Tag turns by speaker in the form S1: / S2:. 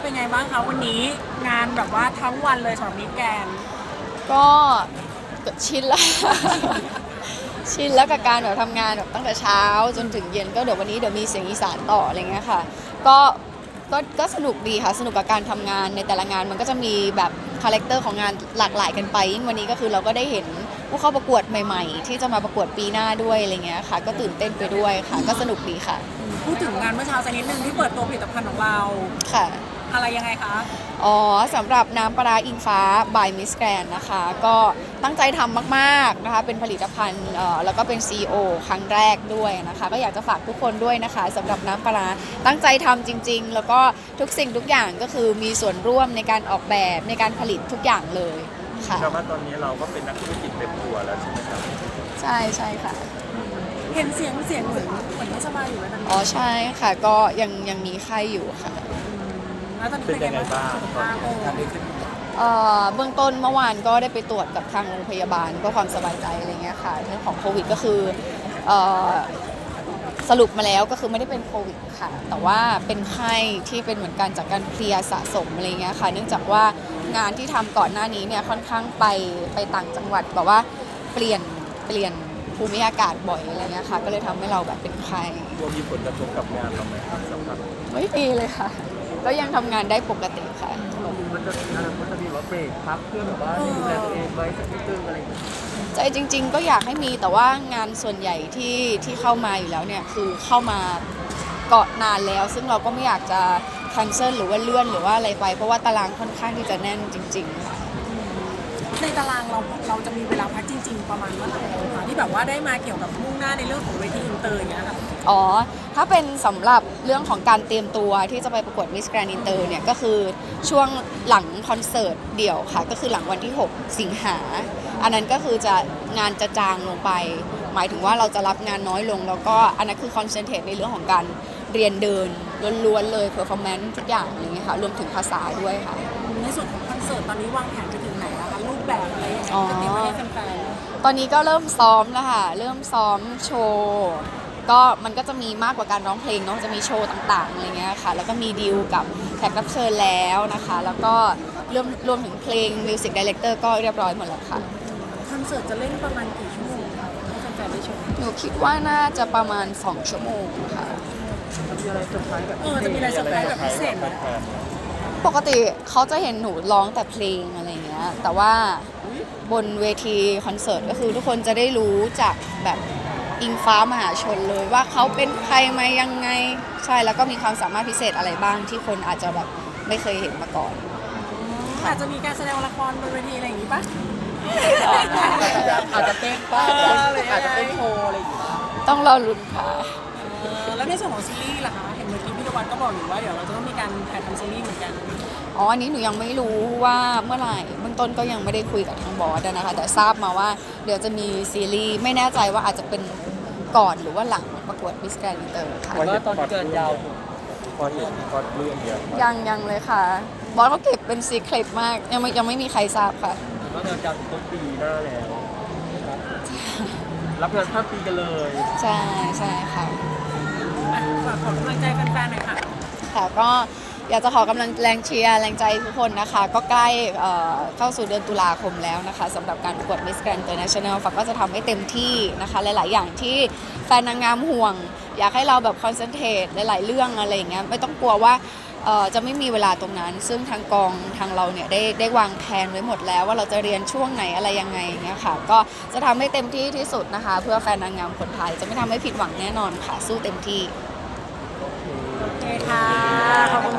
S1: เป็นไงบ้างคะวันนี้งานแบบว่าทั้งวันเลยสำหรับมิสแกรนด์
S2: ก็ชินแล้ว ชินแล้วกับการแบบทำงานแบบตั้งแต่เช้าจนถึงเย็นก็เดี๋ยววันนี้เดี๋ยวมีเสียงอีสานต่ออะไรเงี้ยค่ะก็ก็สนุกดีค่ะสนุกกับการทำงานในแต่ละงานมันก็จะมีแบบคาแรคเตอร์ของงานหลากหลายกันไปยิ่งวันนี้ก็คือเราก็ได้เห็นผู้เข้าประกวดใหม่ๆที่จะมาประกวดปีหน้าด้วยอะไรเงี้ยค่ะก็ตื่นเต้นไปด้วยค่ะก็สนุกดีค่ะ
S1: พูดถึงงานเมื่อเช้าสักนิดนึงที่เปิดตัวผลิตภัณฑ์ของเรา
S2: ค่ะ
S1: อะไรยังไงคะ
S2: อ๋อสำหรับน้ำปลาร้าอิงฟ้า by Miss Grand นะคะก็ตั้งใจทำมากๆนะคะเป็นผลิตภัณฑ์แล้วก็เป็น CEO ครั้งแรกด้วยนะคะก็อยากจะฝากทุกคนด้วยนะคะสำหรับน้ำปลาร้าตั้งใจทำจริงๆแล้วก็ทุกสิ่งทุกอย่างก็คือมีส่วนร่วมในการออกแบบในการผลิตทุกอย่างเลยค่ะ
S3: แต่ว่าตอนนี้เราก็เป็นนักธุรกิจเต็มตัวแล้วใช่ไหมครับ
S2: ใช่ใช่ค่ะ
S1: เห็นเสียงเหมือนไม่สบายอยู่แล้วนะ
S2: อ๋อใช่ค่ะก็ยังมีไข้อยู่ค่ะ
S1: แล้วตอนนี้เป็นไงบ้างสุขภาพ
S2: เบื้องต้นเมื่อวานก็ได้ไปตรวจกับทางโรงพยาบาลเพื่อความสบายใจอะไรเงี้ยค่ะเรื่องของโควิดก็คือสรุปมาแล้วก็คือไม่ได้เป็นโควิดค่ะแต่ว่าเป็นไข้ที่เป็นเหมือนกันจากการเพลียสะสมอะไรเงี้ยค่ะเนื่องจากว่างานที่ทำก่อนหน้านี้เนี่ยค่อนข้างไปต่างจังหวัดแบบว่าเปลี่ยนภูมิอากาศบ่อยอะไรเงี้ยค่ะก็เลยทำให้เราแบบเป็นไข้
S3: รวมมีผลกระทบกับงานเราไหมครับสำหรับ
S2: ไม่มีเลยค่ะก็ยังทำงานได้ปกติค่ะ
S3: มันจะมีว่าเบรกพักเพื่อแบบว่าดูแลตัวเองไว้สักนิดนึงอะไรอย่างเงี้ย
S2: ใจจริงๆก็อยากให้มีแต่ว่างานส่วนใหญ่ที่เข้ามาอยู่แล้วเนี่ยคือเข้ามาเกาะนานแล้วซึ่งเราก็ไม่อยากจะแคนเซิลหรือว่าเลื่อนหรือว่าอะไรไปเพราะว่าตารางค่อนข้างที่จะแน่นจริงๆค่ะ
S1: ในตารางเราจะมีเวลาพักจริงๆประมาณเมื่อไหร่คะที่แบบว่าได้มาเกี่ยวกับมุ่งหน้าในเรื่องของเวทีอินเตอร์อย่างเงี้ยค่ะ
S2: อ๋อถ้าเป็นสำหรับเรื่องของการเตรียมตัวที่จะไปประกวด Miss Grand Inter เนี่ยก็คือช่วงหลังคอนเสิร์ตเดี่ยวค่ะก็คือหลังวันที่6 สิงหาอันนั้นก็คือจะงานจะจางลงไปหมายถึงว่าเราจะรับงานน้อยลงแล้วก็อันนั้นคือคอนเซนเทรตในเรื่องของการเรียนเดินล้วนๆเลย performance ทุกอย่างอะไรเงี้ยค่ะรวมถึงภาษาด้วยค่ะ
S1: ในส่วนของคอนเสิร์ตตอนนี้วางแผนไปถึงไหนแล้วคะรูปแบบอะไรยังไงจะเตรียมไว้ให้แฟน
S2: ตอนนี้ก็เริ่มซ้อมแล้วค่ะเริ่มซ้อมโชว์ก็มันก็จะมีมากกว่าการร้องเพลงเนาะจะมีโชว์ต่างๆอะไรเงี้ยค่ะแล้วก็มีดีลกับแขกรับเชิญแล้วนะคะแล้วก็รวมถึงเพลงมิวสิกดีเลกเตอร์ก็เรียบร้อยหมดแล้วค่ะ
S1: คอนเสิร์ตจะเล่นประมาณกี่ชั่วโมงคะให้แฟนๆได้ชม
S2: หนูคิดว่าน่าจะประมาณ2 ชั่วโมงค่ะ
S1: จะมีอะไรเซอร์ไพรส์แบบพิเศษไหม
S2: ปกติเขาจะเห็นหนูร้องแต่เพลงอะไรเงี้ยแต่ว่าบนเวทีคอนเสิร์ตก็คือทุกคนจะได้รู้จากแบบอิงฟ้ามหาชนเลยว่าเขาเป็นใครมายังไงใช่แล้วก็มีความสามารถพิเศษอะไรบ้างที่คนอาจจะแบบไม่เคยเห็นมาก่อน
S1: อาจจะมีการแสดงละครบนเวทีอะไรอย่างนี้ปะ
S3: อาจจะเต้นบ้างอาจจะเป็นโชว์อะไรอย่างเงี้ย
S2: ต้องรอลุ้นค่ะ
S1: แล้วในส่วนของซีรีส์ล่ะคะเห็นเมื่อกี้พี่ตะวันก็บอกอยู่ว่าเดี๋ยวเราจะต้องมีการถ่ายทำซีรีส์เหมือนกัน
S2: อ๋ออันนี้หนูยังไม่รู้ว่าเมื่อไหร่เบื้องต้นก็ยังไม่ได้คุยกับทางบอสนะคะแต่ทราบมาว่าเดี๋ยวจะมีซีรีส์ไม่แน่ใจว่าอาจจะเป็นก่อนหรือว่าหลังประกวด Miss Grand Inter ค่ะ
S3: ว่าตอนเกินยาวพอเห็นพอเรื่องเดียว
S2: ยังเลยค่ะบอสเขาเก็บเป็นซีเครตมากยังไม่มีใครทราบค่ะ
S3: ก็เดินยาวถึงต้นปีหน้าแล้วรับงานข้ามปีกันเลย
S2: ใช่ค่ะ
S1: ฝากขอกำลังใจแฟนๆหน่อยค่ะ
S2: ค่ะก็อยากจะขอกำลังแรงเชียร์แรงใจทุกคนนะคะก็ใกล้เข้าสู่เดือนตุลาคมแล้วนะคะสำหรับการประกวด Miss Grand International ฝากก็จะทำให้เต็มที่นะคะหลายๆอย่างที่แฟนนางงามห่วงอยากให้เราแบบคอนเซนเทรตหลายๆเรื่องอะไรอย่างเงี้ยไม่ต้องกลัวว่าจะไม่มีเวลาตรงนั้นซึ่งทางกองทางเราเนี่ยได้วางแผนไว้หมดแล้วว่าเราจะเรียนช่วงไหนอะไรยังไงอย่างเงี้ยค่ะก็จะทำให้เต็มที่ที่สุดนะคะเพื่อแฟนนางงามคนไทยจะไม่ทำให้ผิดหวังแน่นอนค่ะสู้เต็มที่
S1: โอเคค่ะ